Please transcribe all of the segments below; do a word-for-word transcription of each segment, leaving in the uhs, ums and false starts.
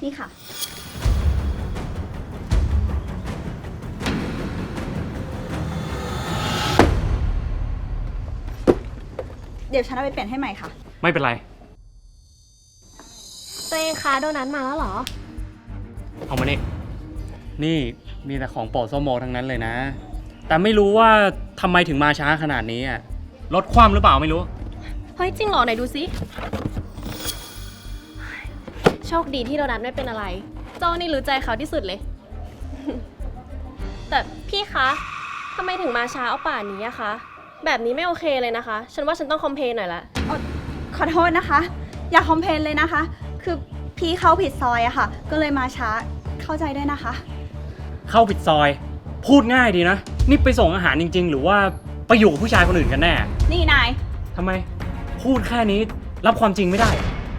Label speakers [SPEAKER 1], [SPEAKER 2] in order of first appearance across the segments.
[SPEAKER 1] นี่ค่ะ เดี๋ยวฉันเอาไปเปลี่ยนให้ใหม่ค่ะ
[SPEAKER 2] ไม่เป็นไร
[SPEAKER 3] ตัวเองคะโดนัทมาแล้วเหรอ
[SPEAKER 2] เอามานี่นี่มีแต่ของโปรดส้มโมทั้งนั้นเลยนะ แต่ไม่รู้ว่าทำไมถึงมาช้าขนาดนี้อ่ะรถคว่ำหรือเปล่าไม่รู้
[SPEAKER 3] เฮ้ยจริงเหรอไหนดูซิโชคดีที่โดนัทไม่เป็นอะไรโจ้นี่รู้ใจเขาที่สุดเลย แต่พี่คะทำไมถึงมาช้าเอาป่านนี้อะคะแบบนี้ไม่โอเคเลยนะคะ ฉันว่าฉันต้องคอมเพลนหน่อยละ
[SPEAKER 1] ขอโทษนะคะ อย่าคอมเพลนเลยนะคะ คือพี่เข้าผิดซอยอะค่ะ ก็เลยมาช้า เข้าใจด้วยนะคะ
[SPEAKER 2] เข้าผิดซอย พูดง่ายดีนะ นี่ไปส่งอาหารจริงๆ หรือว่าไปอยู่กับผู้ชายคนอื่นกันแน่
[SPEAKER 1] นี่นาย
[SPEAKER 2] ทำไมพูดแค่นี้รับความจริงไม่ได้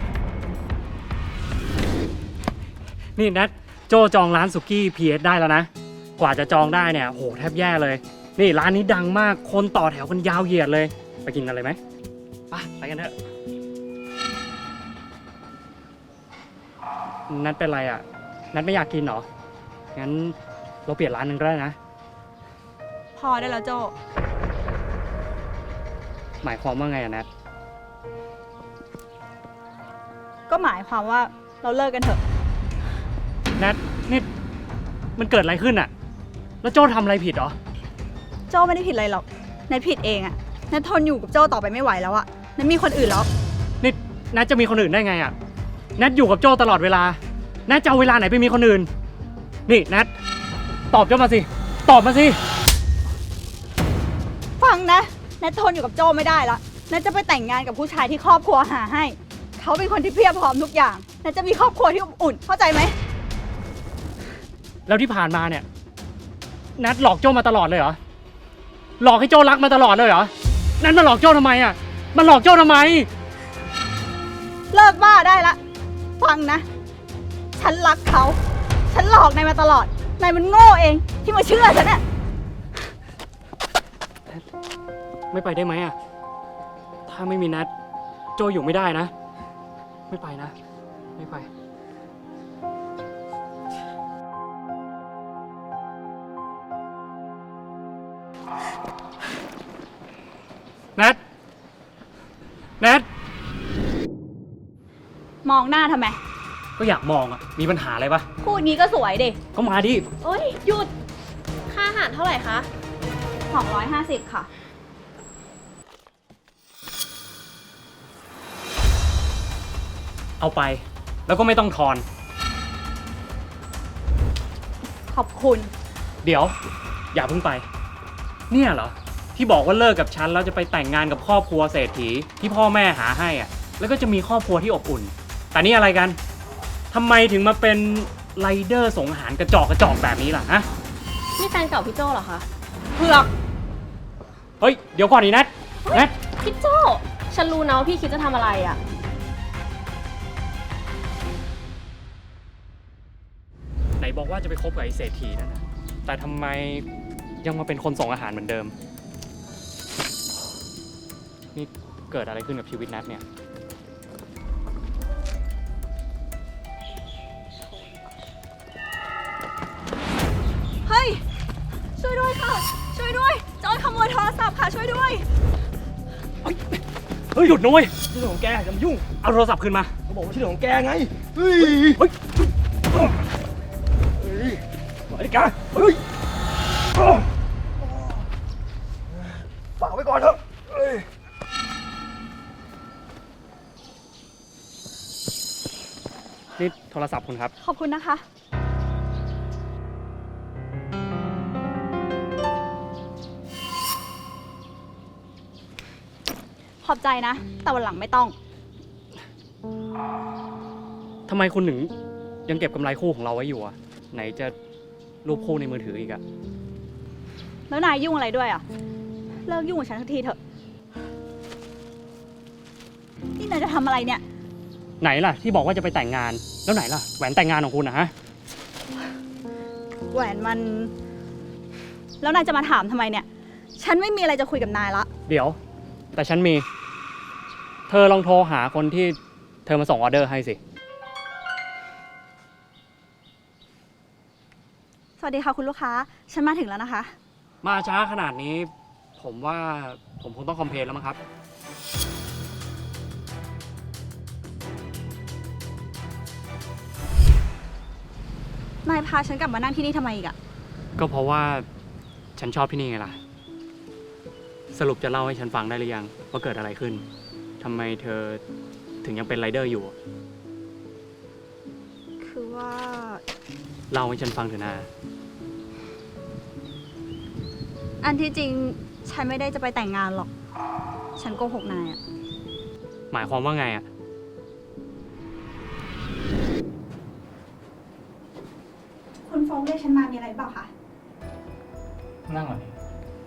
[SPEAKER 2] นี่นัทโจจองร้านสุกี้พีเอสได้แล้วนะ กว่าจะจองได้เนี่ยโหแทบแย่เลย นี่ร้านนี้ดังมากคนต่อแถวกันยาวเหยียดเลย ไปกินกันเลยไหมไปไปกันเถอะนัทเป็นไรอ่ะนัทไม่อยากกินเหรองั้นเราเปลี่ยนร้านนึงก็ได้นะ
[SPEAKER 1] พอได้แล้วโจ
[SPEAKER 2] หมายความว่าไงอะนัท
[SPEAKER 1] ก็หมายความว่าเราเลิกกันเถอะ
[SPEAKER 2] นัทนี่มันเกิดอะไรขึ้นอะแล้วโจ้ทำอะไรผิดเหรอ
[SPEAKER 1] โจไม่ได้ผิดอะไรหรอกนัทผิดเองอะนัททนอยู่กับโจต่อไปไม่ไหวแล้วอะนัทมีคนอื่นแล้ว
[SPEAKER 2] นี่นัทจะมีคนอื่นได้ไงอะนัทอยู่กับโจ้ตลอดเวลานัทจะเอาเวลาไหนไปมีคนอื่น นี่นัทตอบโจ้มาสิ ตอบมาสิ
[SPEAKER 1] ฟังนะนัททนอยู่กับโจไม่ได้ละนัทจะไปแต่งงานกับผู้ชายที่ครอบครัวหาให้ เขาเป็นคนที่เพียบพร้อมทุกอย่างนัทจะมีครอบครัวที่อบอุ่น เข้าใจไหม
[SPEAKER 2] แล้วที่ผ่านมาเนี่ยนัทหลอกโจ้มาตลอดเลยเหรอ หลอกให้โจ้รักมาตลอดเลยเหรอ นัทมาหลอกโจ้ทำไมอะมันหลอกโจ้ทำไม
[SPEAKER 1] เลิกบ้าได้ละ ฟังนะ ฉันรักเขา ฉันหลอกนายมาตลอด นายมันโง่เองที่มาเชื่อฉันน่ะ
[SPEAKER 2] ไม่ไปได้ไหมอะถ้าไม่มีนัทโจอยู่ไม่ได้นะ ไม่ไปนะ ไม่ไป นัทนัท
[SPEAKER 1] มองหน้าทำไม
[SPEAKER 2] ก็อยากมองอะมีปัญหาอะไรปะ
[SPEAKER 1] พูดงี้ก็สวยดิ
[SPEAKER 2] ก็มาดิ
[SPEAKER 3] โอ๊ยหยุดค่าอาหารเท่าไหร่คะ
[SPEAKER 1] สองร้อยห้าสิบค่ะ
[SPEAKER 2] เอาไป แล้วก็ไม่ต้องทอน
[SPEAKER 1] ขอบคุณ
[SPEAKER 2] เดี๋ยว อย่าเพิ่งไป เนี่ยเหรอ ที่บอกว่าเลิกกับฉันแล้วจะไปแต่งงานกับครอบครัวเศรษฐีที่พ่อแม่หาให้อ่ะ แล้วก็จะมีครอบครัวที่อบอุ่น แต่นี่อะไรกันทำไมถึงมาเป็นไรเดอร์ส่งอาหารกระจอกกระจอกแบบนี้ล่ะฮะ
[SPEAKER 3] นี่แฟนเก่าพี่โจ้เหรอคะ
[SPEAKER 1] เผือก
[SPEAKER 2] เฮ้ย เดี๋ยวก่อนดินัทนัท
[SPEAKER 3] พี่โจ้ฉันรู้นะว่าพี่คิดจะทำอะไรอะ
[SPEAKER 2] ไหนบอกว่าจะไปคบกับไอ้เศรษฐีนั่นนะแต่ทำไมยังมาเป็นคนส่งอาหารเหมือนเดิม นี่เกิดอะไรขึ้นกับชีวิตนัทเนี่ย
[SPEAKER 1] เฮ้ย ช่วยด้วยค่ะ ช่วยด้วย โจรขโมยโทรศัพท์ค่ะ ช่วยด้วย
[SPEAKER 2] เฮ้ยหยุดนะเว้ย
[SPEAKER 4] ที่เรื่องของแกอย่ามายุ่ง
[SPEAKER 2] เอาโทรศัพท์คืนมา
[SPEAKER 4] เขาบอกว่าที่เรื่องของแกไง เฮ้ย
[SPEAKER 2] เฮ้ย
[SPEAKER 4] เฮ้ยปล่อยดิแกเฮ้ยฝากไว้ก่อนเถอะเฮ้ย
[SPEAKER 2] นี่โทรศัพท์คุณครับ
[SPEAKER 1] ขอบคุณนะคะ ขอบใจนะ แต่วันหลังไม่ต้อง
[SPEAKER 2] ทำไมคุณถึงยังเก็บกำไรคู่ของเราไว้อยู่อะไหนจะรูปคู่ในมือถืออีกอะ
[SPEAKER 1] แล้วนายยุ่งอะไรด้วยอ่ะ เลิกยุ่งกับฉันสักทีเถอะ นี่นายจะทำอะไรเนี่ย
[SPEAKER 2] ไหนล่ะที่บอกว่าจะไปแต่งงาน แล้วไหนล่ะแหวนแต่งงานของคุณนะฮะ
[SPEAKER 1] แหวนมัน แล้วนายจะมาถามทำไมเนี่ย ฉันไม่มีอะไรจะคุยกับนายละ
[SPEAKER 2] เดี๋ยว แต่ฉันมี เธอลองโทรหาคนที่เธอมาส่งออเดอร์ให้สิ
[SPEAKER 1] วัสดีค่ะคุณลูกค้า ฉันมาถึงแล้วนะคะ
[SPEAKER 2] มาช้าขนาดนี้ ผมว่าผมคงต้องคอมเพลนแล้วมั้งครับ
[SPEAKER 1] นายพาฉันกลับมานั่งที่นี่ทำไมอีกอะ
[SPEAKER 2] ก็เพราะว่าฉันชอบที่นี่ไงล่ะ สรุปจะเล่าให้ฉันฟังได้หรือยังว่าเกิดอะไรขึ้นทำไมเธอถึงยังเป็นไรเดอร์อยู่
[SPEAKER 1] คือว่า
[SPEAKER 2] เล่าให้ฉันฟังเถอะนะ
[SPEAKER 1] อันที่จริงฉันไม่ได้จะไปแต่งงานหรอก ฉันโกหกนายอะ
[SPEAKER 2] หมายความว่าไงอ่ะ
[SPEAKER 1] คุณฟงเรียกฉันมามีอะไรเปล่าคะ
[SPEAKER 5] นั่งก่อนดิ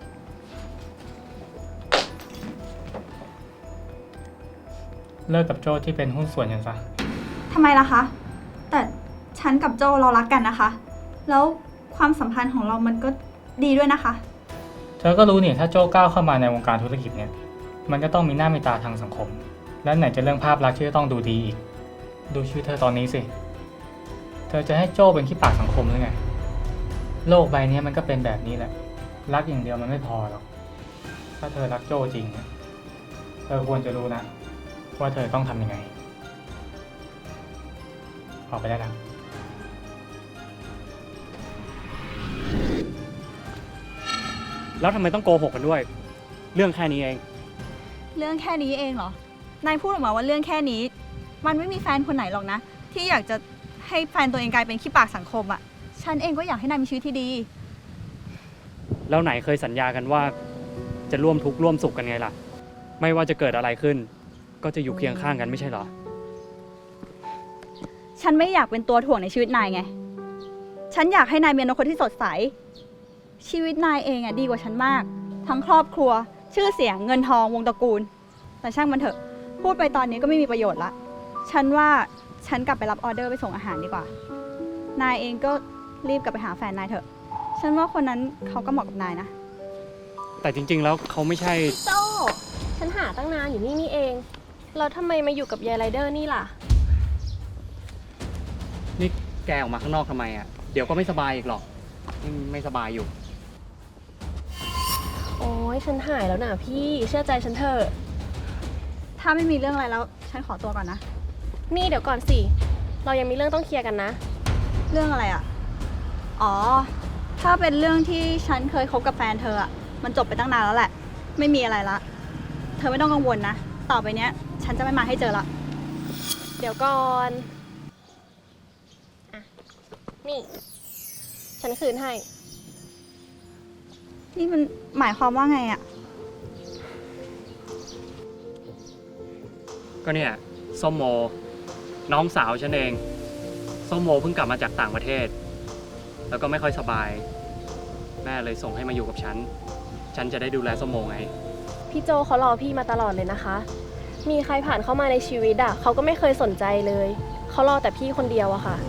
[SPEAKER 5] เลิกกับโจ้ที่เป็นหุ้นส่วนกันซะ
[SPEAKER 1] ทำไมล่ะคะ แต่ฉันกับโจเรารักกันนะคะ แล้วความสัมพันธ์ของเรามันก็ดีด้วยนะคะ
[SPEAKER 5] เธอก็รู้นี่ถ้าโจ้ก้าวเข้ามาในวงการธุรกิจเนี่ย มันก็ต้องมีหน้ามีตาทางสังคม และไหนจะเรื่องภาพลักษณ์ที่จะต้องดูดีอีก ดูชีวิตเธอตอนนี้สิ เธอจะให้โจ้เป็นขี้ปากสังคมหรือไง โลกใบนี้มันก็เป็นแบบนี้แหละ รักอย่างเดียวมันไม่พอหรอก ถ้าเธอรักโจ้จริงเนี่ยเธอควรจะรู้นะว่าเธอต้องทำยังไง ออกไปได้แล้ว
[SPEAKER 2] แล้วทำไมต้องโกหกกันด้วย เรื่องแค่นี้เอง
[SPEAKER 1] เรื่องแค่นี้เองเหรอ นายพูดออกมาว่าเรื่องแค่นี้ มันไม่มีแฟนคนไหนหรอกนะ ที่อยากจะให้แฟนตัวเองกลายเป็นขี้ปากสังคมอะฉันเองก็อยากให้นายมีชีวิตที่ดี
[SPEAKER 2] แล้วไหนเคยสัญญากันว่า จะร่วมทุกข์ร่วมสุขกันไงล่ะ ไม่ว่าจะเกิดอะไรขึ้น ก็จะอยู่เคียงข้างกันไม่ใช่เหรอ
[SPEAKER 1] ฉันไม่อยากเป็นตัวถ่วงในชีวิตนายไง ฉันอยากให้นายมีอนาคตที่สดใส ชีวิตนายเองอะดีกว่าฉันมาก ทั้งครอบครัว ชื่อเสียง เงินทอง วงตระกูล แต่ช่างมันเถอะ พูดไปตอนนี้ก็ไม่มีประโยชน์ละ ฉันว่าฉันกลับไปรับออเดอร์ไปส่งอาหารดีกว่า นายเองก็รีบกลับไปหาแฟนนายเถอะ ฉันว่าคนนั้นเขาก็เหมาะกับนายนะ
[SPEAKER 2] แต่จริง ๆ แล้วเขาไม่ใช่
[SPEAKER 3] โจ้ฉันหาตั้งนานอยู่นี่นี่เอง แล้วทำไมมาอยู่กับยายไรเดอร์นี่ล่ะ
[SPEAKER 2] นี่แกออกมาข้างนอกทำไมอ่ะ เดี๋ยวก็ไม่สบายอีกหรอกนี่ไม่สบายอยู่
[SPEAKER 3] โอ้ยฉันหายแล้วนะพี่ เชื่อใจฉันเถอะ
[SPEAKER 1] ถ้าไม่มีเรื่องอะไรแล้ว ฉันขอตัวก่อนนะ
[SPEAKER 3] นี่เดี๋ยวก่อนสิ เรายังมีเรื่องต้องเคลียร์กันนะ
[SPEAKER 1] เรื่องอะไรอะอ๋อ ถ้าเป็นเรื่องที่ฉันเคยคบกับแฟนเธออะมันจบไปตั้งนานแล้วแหละ ไม่มีอะไรละ เธอไม่ต้องกังวลนะ ต่อไปเนี้ย ฉันจะไม่มาให้เจอละ
[SPEAKER 3] เดี๋ยวก่อนอ่ะนี่ ฉันคืนให้
[SPEAKER 1] นี่มันหมายความว่าไงอะ
[SPEAKER 2] ก็เนี่ยส้มโม น้องสาวฉันเอง ส้มโมเพิ่งกลับมาจากต่างประเทศ แล้วก็ไม่ค่อยสบาย แม่เลยส่งให้มาอยู่กับฉัน ฉันจะได้ดูแลส้มโมไง
[SPEAKER 3] พี่โจเขารอพี่มาตลอดเลยนะคะ มีใครผ่านเข้ามาในชีวิตอ่ะเขาก็ไม่เคยสนใจเลย เขารอแต่พี่คนเดียวอะค่ะ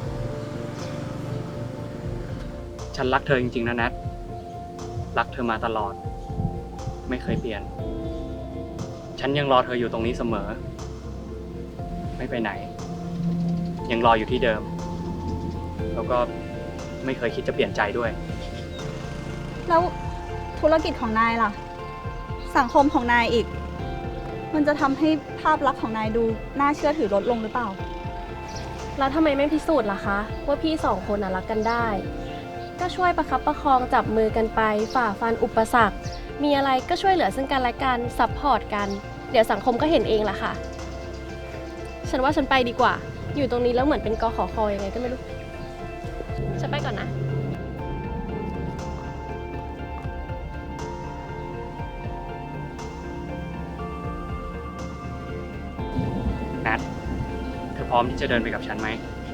[SPEAKER 2] ฉันรักเธอจริงๆนะแนท รักเธอมาตลอด ไม่เคยเปลี่ยน ฉันยังรอเธออยู่ตรงนี้เสมอ ไม่ไปไหน ยังรออยู่ที่เดิม แล้วก็ไม่เคยคิดจะเปลี่ยนใจด้วย
[SPEAKER 1] แล้วธุรกิจของนายล่ะ สังคมของนายอีก มันจะทำให้ภาพลักษณ์ของนายดูน่าเชื่อถือลดลงหรือเปล่า
[SPEAKER 3] แล้วทำไมไม่พิสูจน์ล่ะคะ ว่าพี่สองคนน่ะรักกันได้ ก็ช่วยประคับประคองจับมือกันไป ฝ่าฟันอุปสรรค มีอะไรก็ช่วยเหลือซึ่งกันและกันซัพพอร์ตกัน เดี๋ยวสังคมก็เห็นเองล่ะค่ะ ฉันว่าฉันไปดีกว่า อยู่ตรงนี้แล้วเหมือนเป็นกขอคอยังไงก็ไม่รู้ ฉันไปก่อนนะ
[SPEAKER 2] แนท เธอพร้อมที่จะเดินไปกับฉันไหม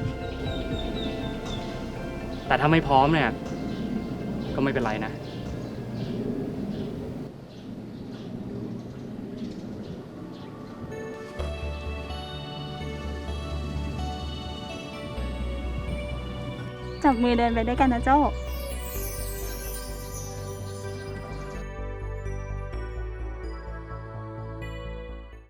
[SPEAKER 2] แต่ถ้าไม่พร้อมเนี่ย ก็ไม่เป็นไรนะ
[SPEAKER 1] จับมือเดินไปด้วยกันนะโจ้